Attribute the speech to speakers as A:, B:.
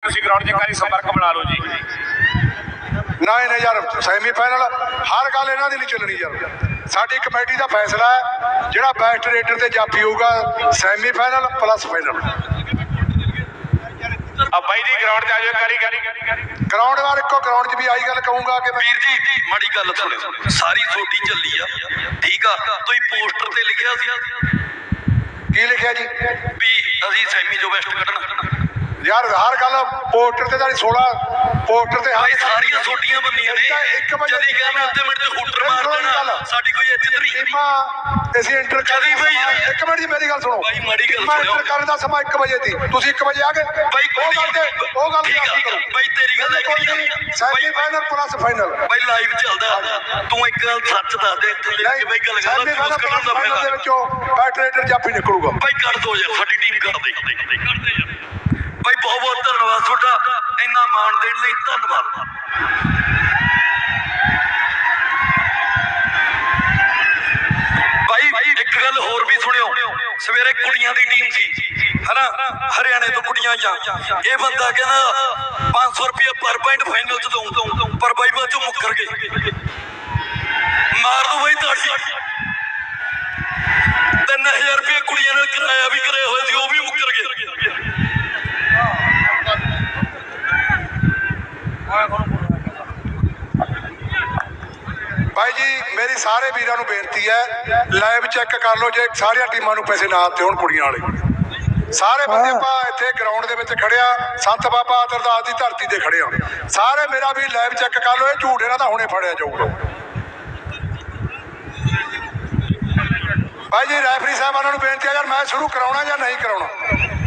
A: ਤੁਸੀਂ ਗਰਾਊਂਡ 'ਚ ਕਾਰੀ ਸੰਪਰਕ ਬਣਾ ਲਓ ਜੀ।
B: ਨਹੀਂ ਯਾਰ, ਸੈਮੀਫਾਈਨਲ ਹਰ ਗੱਲ ਇਹਨਾਂ ਦੀ ਨਹੀਂ ਚੱਲਣੀ ਯਾਰ। ਸਾਡੀ ਕਮੇਟੀ ਦਾ ਫੈਸਲਾ ਹੈ, ਜਿਹੜਾ ਬੈਸਟ ਰੇਟਰ ਤੇ ਜਾਫੀ ਹੋਊਗਾ ਸੈਮੀਫਾਈਨਲ ਪਲੱਸ ਫਾਈਨਲ।
A: ਆ ਬਾਈ ਜੀ ਗਰਾਊਂਡ 'ਚ ਆ ਜਾਓ ਕਾਰੀ
B: ਗਰਾਊਂਡ ਵਾਰ ਇੱਕੋ ਗਰਾਊਂਡ 'ਚ ਵੀ ਆਹੀ ਗੱਲ ਕਹੂੰਗਾ ਕਿ
C: ਵੀਰ ਜੀ ਮਾੜੀ ਗੱਲ ਸੁਣਿਓ, ਸਾਰੀ ਛੋਟੀ ਚੱਲੀ ਆ, ਠੀਕ ਆ। ਤੁਸੀਂ ਪੋਸਟਰ ਤੇ ਲਿਖਿਆ ਸੀ
B: ਕੀ ਲਿਖਿਆ ਜੀ
C: ਵੀ ਅਸੀਂ ਸੈਮੀ ਚੋਂ ਬੈਸਟ ਕੱਢਣਾ।
B: ਯਾਰ ਹਰ ਗੱਲ ਪੋਸਟਰ ਤੇ 16 ਪੋਸਟਰ ਤੇ
C: ਭਾਈ ਸਾਰੀਆਂ ਛੋਟੀਆਂ ਬੰਦੀਆਂ ਨੇ,
B: ਇੱਕ ਵਜੇ
C: ਜਦੀ ਗਿਆ ਮੈਂ ਅੱਧੇ ਮਿੰਟ 'ਚ ਹੂਟਰ ਮਾਰ ਦੇਣਾ, ਸਾਡੀ ਕੋਈ ਇੱਜ਼ਤ ਨਹੀਂ।
B: ਟੀਮਾਂ ਅਸੀਂ ਇੰਟਰ
C: ਕਦੀ ਬਈ
B: ਇੱਕ ਮਿੰਟ ਜੀ ਮੇਰੀ ਗੱਲ ਸੁਣੋ
C: ਭਾਈ, ਮਾੜੀ ਗੱਲ
B: ਟੀਮਾਂ ਇੰਟਰ ਕਰਨ ਦਾ ਸਮਾਂ 1 ਵਜੇ ਸੀ, ਤੁਸੀਂ 1 ਵਜੇ ਆ ਗਏ
C: ਭਾਈ।
B: ਉਹ ਗੱਲ
C: ਠੀਕ ਆ ਭਾਈ, ਤੇਰੀ ਗੱਲ
B: ਸੈਮੀਫਾਈਨਲ ਪਲੱਸ ਫਾਈਨਲ
C: ਭਾਈ ਲਾਈਵ ਚੱਲਦਾ। ਤੂੰ ਇੱਕ ਗੱਲ ਸੱਚ ਦੱਸ ਦੇ, ਇੱਥੇ ਲੈ ਕੇ ਭਾਈ ਗੱਲ ਕਰਦਾ
B: ਸੈਮੀਫਾਈਨਲ ਪਲੱਸ ਫਾਈਨਲ ਦੇ ਵਿੱਚੋਂ ਬੈਸਟ ਰੇਟਰ ਜਾਫੀ ਨਿਕਲੂਗਾ।
C: ਭਾਈ ਕਰ ਦੋ ਯਾਰ, ਸਾਡੀ ਟੀਮ ਕਰ ਦੇ ਭਾਈ। ਬਹੁਤ ਬਹੁਤ ਧੰਨਵਾਦ ਤੁਹਾਡਾ, ਇੰਨਾ ਮਾਣ ਦੇਣ ਲਈ ਧੰਨਵਾਦ। ਭਾਈ ਇੱਕ ਗੱਲ ਹੋਰ ਵੀ ਸੁਣਿਓ, ਸਵੇਰੇ ਕੁੜੀਆਂ ਦੀ ਟੀਮ ਸੀ ਹਨਾ, ਹਰਿਆਣੇ ਤੋਂ ਕੁੜੀਆਂ ਜਾਂ ਇਹ ਬੰਦਾ ਕਹਿੰਦਾ 500 ਰੁਪਏ ਪਰ ਪੁਆਇੰਟ ਫਾਈਨਲ ਚ ਦਊਂ, ਪਰ ਬਾਈ ਬਾਅਦ ਚੋਂ ਮੁੱਕਰ ਗਏ। ਮਾਰ ਦੋ ਬਾਈ ਤਾੜੀ। 3000 ਰੁਪਏ ਕੁੜੀਆਂ ਨਾਲ ਕਿਰਾਇਆ ਵੀ ਕਰਿਆ ਹੋਇਆ ਸੀ, ਉਹ ਵੀ ਮੁੱਕਰ ਗਏ।
B: ਭਾਈ ਜੀ ਮੇਰੀ ਸਾਰੇ ਵੀਰਾਂ ਨੂੰ ਬੇਨਤੀ ਹੈ, ਲਾਈਵ ਚੈੱਕ ਕਰ ਲਓ, ਜੇ ਸਾਰੀਆਂ ਟੀਮਾਂ ਨੂੰ ਪੈਸੇ ਨਾ ਦਿੱਤੇ ਹੋਣ ਕੁੜੀਆਂ ਵਾਲੇ। ਸਾਰੇ ਬੰਦੇ ਆਪਾਂ ਇੱਥੇ ਗਰਾਊਂਡ ਦੇ ਵਿੱਚ ਖੜਿਆ, ਸੰਤ ਬਾਬਾ ਅਰਦਾਸ ਦੀ ਧਰਤੀ ਤੇ ਖੜੇ ਆ। ਸਾਰੇ ਮੇਰਾ ਵੀ ਲਾਈਵ ਚੈੱਕ ਕਰ ਲਓ, ਇਹ ਝੂਠ ਇਹਨਾਂ ਦਾ ਹੁਣੇ ਫੜਿਆ ਜਾਊਗਾ। ਭਾਈ ਜੀ ਰੈਫਰੀ ਸਾਹਿਬਾਨਾਂ ਨੂੰ ਬੇਨਤੀ ਹੈ, ਯਾਰ ਮੈਚ ਸ਼ੁਰੂ ਕਰਾਉਣਾ ਜਾਂ ਨਹੀਂ ਕਰਾਉਣਾ।